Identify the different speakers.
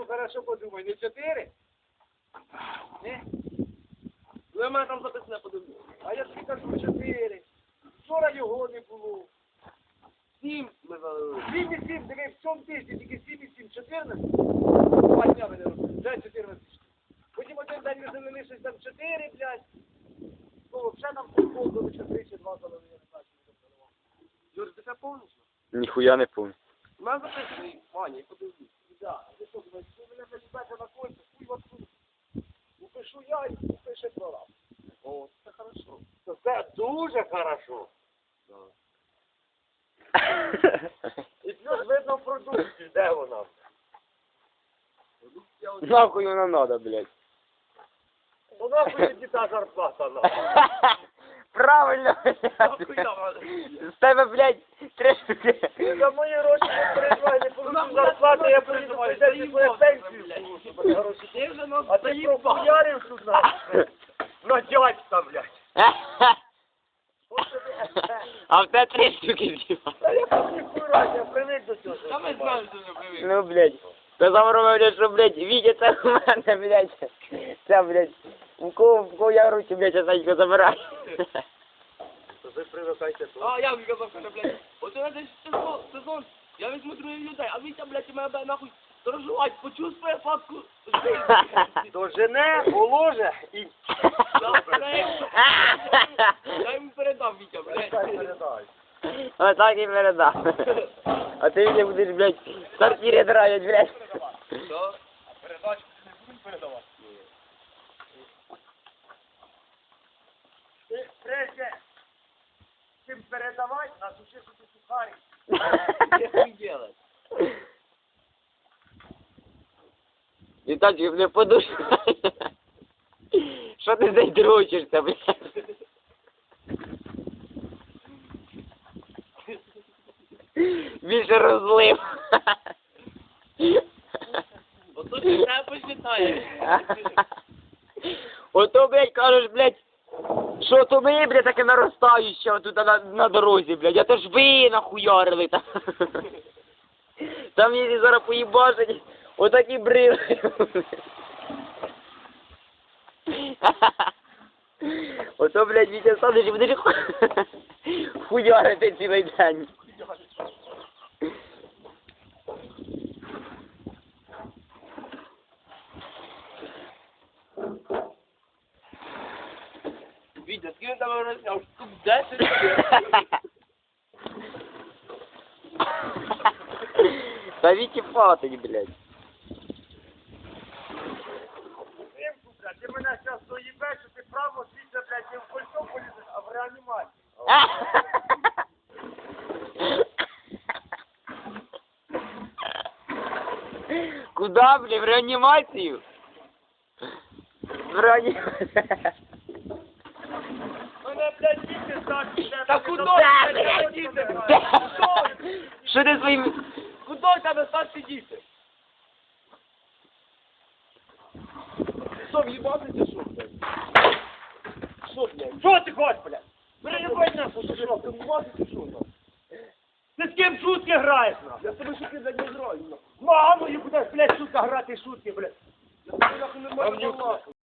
Speaker 1: хорошо подумай, не 4? Ні?
Speaker 2: Ну, я мене там записне подивлюсь.
Speaker 1: А я тобі кажу 4. Вчора його не було.
Speaker 2: 7 ми залили.
Speaker 1: 7,7, диви, в цьому тижні тільки 7,7, 14. 2 дня мене робили, вже 14. Потім один день ми залили щось там 4, блядь. Ну, вже нам футбол до 4 чи 2 залили, я не знаю, що ми там заливали.
Speaker 2: Юр, ти це повністю?
Speaker 3: Ніхуя не помню.
Speaker 2: У мене записаний, Ваня, я подивлюсь.
Speaker 1: Да, ти що, думаєш, ви мене залізаєте на кольця, хуй вас тут. Упишу я і упише прораб.
Speaker 2: О, це хорошо.
Speaker 1: Це дуже хорошо.
Speaker 2: Да.
Speaker 1: І плюс видно в продукції, де вона.
Speaker 2: Я от...
Speaker 3: Нахуй воно надо, блядь.
Speaker 1: Ну нахуй тоді та зарплата нам.
Speaker 3: Правильно,
Speaker 2: Нахуй
Speaker 3: блядь.
Speaker 2: я маю.
Speaker 3: З тебе, блядь, 3 штуки.
Speaker 1: Ти за мої гроші не переживай, не получу зарплати, я поїду пойдеш і твою пенсію получу, бо гроші.
Speaker 2: Ти вже нас
Speaker 1: А ти їм похуярив тут нахуй. На дядька, блядь. От тобі.
Speaker 3: А в тебе 3 штуки з'їбав.
Speaker 1: Та я тут не курать, я привик до цього.
Speaker 2: Та ми знаємо, що не привик.
Speaker 3: Ну, блядь. Ти замовив, блядь, що, блядь, Вітя, це у мене, блядь. Це, блядь, у кого я руки, блядь, я забираю.
Speaker 1: То ви привикайте тут.
Speaker 2: А, я вам казав, що, блядь, от у нас десь сезон, я візьму других людей, а Вітя, блядь, мене буде нахуй сторожувати, почувствує фатку життя.
Speaker 1: Дожене, положе і...
Speaker 2: Я йому передам, Вітя, блядь.
Speaker 1: передай.
Speaker 3: Отак і передав. А ти мені будеш, блядь, в квартирі драть, блядь.
Speaker 2: Що?
Speaker 1: Передачу не будемо передавати? Ти прежде чим передавати, насуши собі сухарі.
Speaker 2: Що їм делать?
Speaker 3: І так не подушку. Що ти задручишся, блядь? Більше розлив.
Speaker 2: Ото ти не посчитаєш.
Speaker 3: Ото, блядь, кажеш, блядь, що то ми, блядь, таке наростаюче тут на дорозі, блядь, а то ж ви нахуярили там. Там її зараз поїбашать, отакі брили. Ото, блядь, Вітя садиш і будеш хуярити цілий день.
Speaker 2: Вітя, скільки тебе розняв? Штук 10?
Speaker 3: Та Віті фатить, блядь.
Speaker 1: Симку, блядь, ти мене зараз доїбеш, що ти право світло, блядь, не в кольцо полізеш, а в реанімацію.
Speaker 3: Куда, блядь, в реанімацію? В реанімацію.
Speaker 1: Мене, блядь, діти старші, блядь.
Speaker 2: Та куди,
Speaker 1: блядь,
Speaker 2: блядь, діти?
Speaker 3: Що ти своїм...
Speaker 2: Куди в тебе старші діти? Що, в'їбатися, що, блядь? Що, блядь?
Speaker 1: Що ти хочеш, блядь? Переїбай нахуй, що ж, ти вмазати, що там? Ти з ким шутки граєш, нахуй?
Speaker 2: Я тебе шутки за не граю, нахуй.
Speaker 1: Мамою будеш, блядь, шутка грати шутки, блядь.
Speaker 2: Я тебе нахуй не можу
Speaker 1: Гавнюк.
Speaker 2: нахуй.